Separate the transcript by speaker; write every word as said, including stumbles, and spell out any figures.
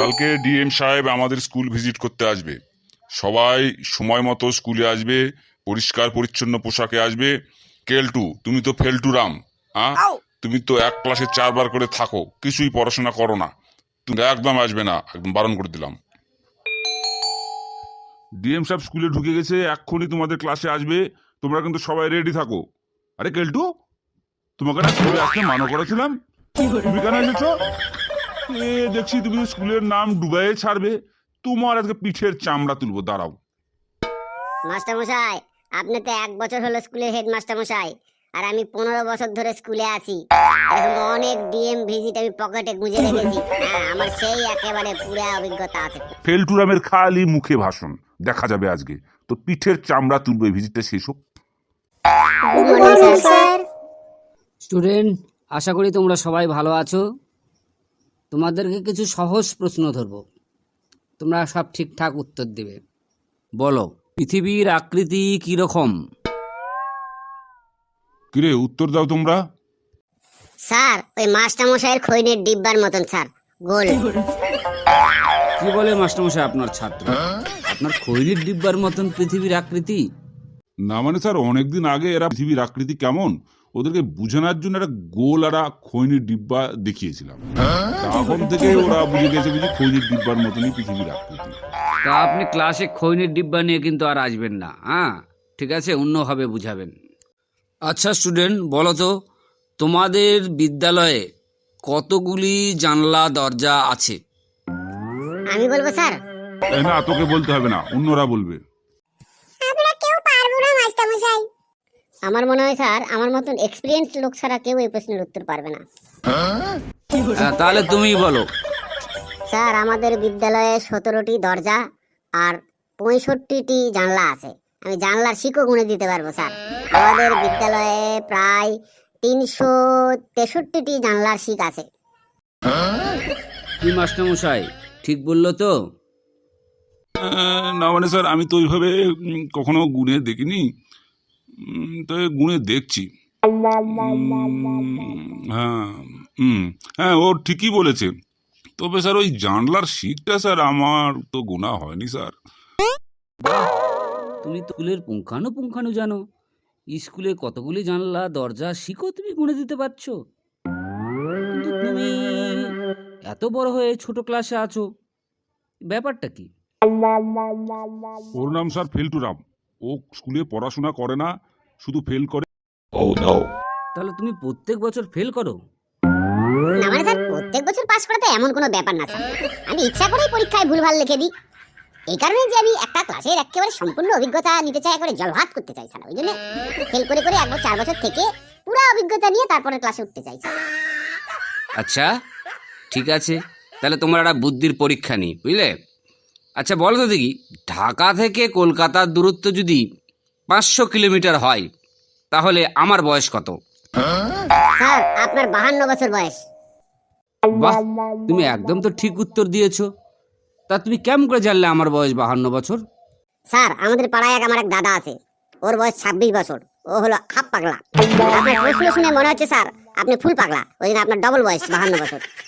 Speaker 1: কালকে ডিএম সাহেব আমাদের স্কুল ভিজিট করতে আসবে। সবাই সময় মতো স্কুলে আসবে, পরিষ্কার পরিচ্ছন্ন পোশাকে আসবে। কেলটু, তুমি তো ফেলটু রাম, হ্যাঁ? তুমি তো এক ক্লাসে চারবার করে থাকো, কিছুই পড়াশোনা করো না। তুমি একদম আসবে না, একদম বারণ করে দিলাম। ডিএম সাহেব স্কুলে ঢুকে গেছে, এক্ষুনি তোমাদের ক্লাসে আসবে। তোমরা কিন্তু সবাই রেডি থাকো। আরে কেলটু, তোমাকে না স্কুলে আসতে মানা করেছিলাম, তুমি কেন এসেছো? এ দেখছি তুমি স্কুলের নাম ডুবাইয়ে ছাড়বে। তোমার আজকে পিঠের চামড়া তুলবো, দাঁড়াও।
Speaker 2: মাস্টার মশাই, আপনি তো এক বছর হলো স্কুলের হেড মাস্টার মশাই, আর আমি পনেরো বছর ধরে স্কুলে আছি। এরকম অনেক ডিএম ভিজিট আমি পকেটে গুঁজে রেখেছি। হ্যাঁ, আমার সেই একেবারে পুরো অভিজ্ঞতা আছে।
Speaker 1: ফেলটুরামের খালি মুখে ভাষণ, দেখা যাবে আজকে তো পিঠের চামড়া তুলবে। ভিজিটটা শেষ হোক।
Speaker 3: স্টুডেন্ট, আশা করি তোমরা সবাই ভালো আছো। তোমাদেরকে কিছু সহজ প্রশ্ন ধরব, তোমরা সব ঠিকঠাক উত্তর দেবে। বলো, পৃথিবীর আকৃতি কি রকম?
Speaker 1: কিরে, উত্তর দাও তোমরা।
Speaker 2: স্যার, ওই মাস্টার মশাইয়ের খৈনের ডিব্বার মতন স্যার, গোল।
Speaker 3: কি বলে মাস্টারমশাই আপনার ছাত্র? আপনার খৈনির ডিব্বার মতন পৃথিবীর আকৃতি?
Speaker 1: না মানে স্যার, অনেকদিন আগে এরা পৃথিবীর আকৃতি কেমন ওদেরকে বুঝানোর জন্য একটা গোল একটা খৈনির ডিব্বা দেখিয়েছিলাম। তখন থেকে ওরা বুঝে গেছে বুঝি খৈনির ডিব্বার মতনই পৃথিবীর আকৃতি।
Speaker 3: তা আপনি ক্লাসে খৈনির ডিব্বা নিয়ে কিন্তু আর আসবেন না, হ্যাঁ? ঠিক আছে, অন্যভাবে বুঝাবেন। আচ্ছা স্টুডেন্ট, বলো তো, তোমাদের বিদ্যালয়ে কতগুলি জানলা দরজা আছে?
Speaker 2: আমি বলবো স্যার?
Speaker 1: এই না, তোকে বলতে হবে না, অন্যরা বলবে।
Speaker 2: আমরা কেউ পারবো না মাস্টার মশাই। আমার মনে হয় স্যার, আমার মতন এক্সপেরিয়েন্স লোক ছাড়া কেউ এই প্রশ্নের উত্তর পারবে না।
Speaker 3: হ্যাঁ, তাহলে তুমিই বলো।
Speaker 2: স্যার, আমাদের বিদ্যালয়ে সতেরোটি দরজা আর পঁয়ষট্টিটি জানলা আছে। আমি জানলার শিকও গুনে দিতে পারবো স্যার। আমাদের বিদ্যালয়ে প্রায় তিনশো তেষট্টিটি জানলার শিক আছে।
Speaker 3: কি মাস্টারমশাই, ঠিক বললো তো?
Speaker 1: আহ, না মানে স্যার, আমি তো ওইভাবে উম, কখনো গুনে দেখিনি, উম, তো গুনে দেখছি। উম, হ্যাঁ, হুম, হ্যাঁ, ও ঠিকই বলেছে। তবে স্যার, ওই জানলার শিকটা স্যার আমার তো গোনা হয়নি স্যার।
Speaker 3: তুমি তো স্কুলের পুঙ্খানু পুঙ্খানু জানো। স্কুলে কতগুলি জানলা দরজা শিখো তুমি গুনে দিতে পারছো, কিন্তু তুমি এত বড় হয়ে ছোট ক্লাসে আছো, ব্যাপারটা কি?
Speaker 1: ওর নাম স্যার ফেলটুরাম। ও স্কুলে পড়াশোনা করে না, শুধু ফেল করে।
Speaker 3: তাহলে তুমি প্রত্যেক বছর ফেল করো?
Speaker 2: না মানে স্যার, প্রত্যেক বছর পাস করা তো এমন কোনো ব্যাপার না স্যার। আমি ইচ্ছা করেই পরীক্ষায় ভুলভাল লিখে দিই। এই কারণে যে আমি একটা ক্লাসের একেবারে সম্পূর্ণ অভিজ্ঞতা নিতে চাই, একেবারে জলভাত করতে চাই স্যার। ওই জন্য ফেল করে করে একবার চার বছর থেকে পুরো অভিজ্ঞতা নিয়ে তারপরে ক্লাসে উঠতে চাই স্যার।
Speaker 3: আচ্ছা ঠিক আছে, তাহলে তোমার একটা বুদ্ধির পরীক্ষা নিই, বুঝলে? আচ্ছা বলো তো দেখি, ঢাকা থেকে কলকাতার দূরত্ব যদি পাঁচশো কিলোমিটার হয়, তাহলে আমার বয়স কত?
Speaker 2: স্যার, আপনার বাহান্ন বছর বয়স।
Speaker 3: বাহ, তুমি একদম তো ঠিক উত্তর দিয়েছো। তা তুমি কেমন করে জানলে আমার বয়স বাহান্ন বছর?
Speaker 2: স্যার, আমাদের পাড়ায় এক আমার এক দাদা আছে, ওর বয়স ছাব্বিশ বছর। ও হলো হাফ পাগলা। আপনার প্রশ্ন শুনে মনে হচ্ছে স্যার আপনি ফুল পাগলা, ওই জন্য আপনার ডবল বয়স বাহান্ন বছর।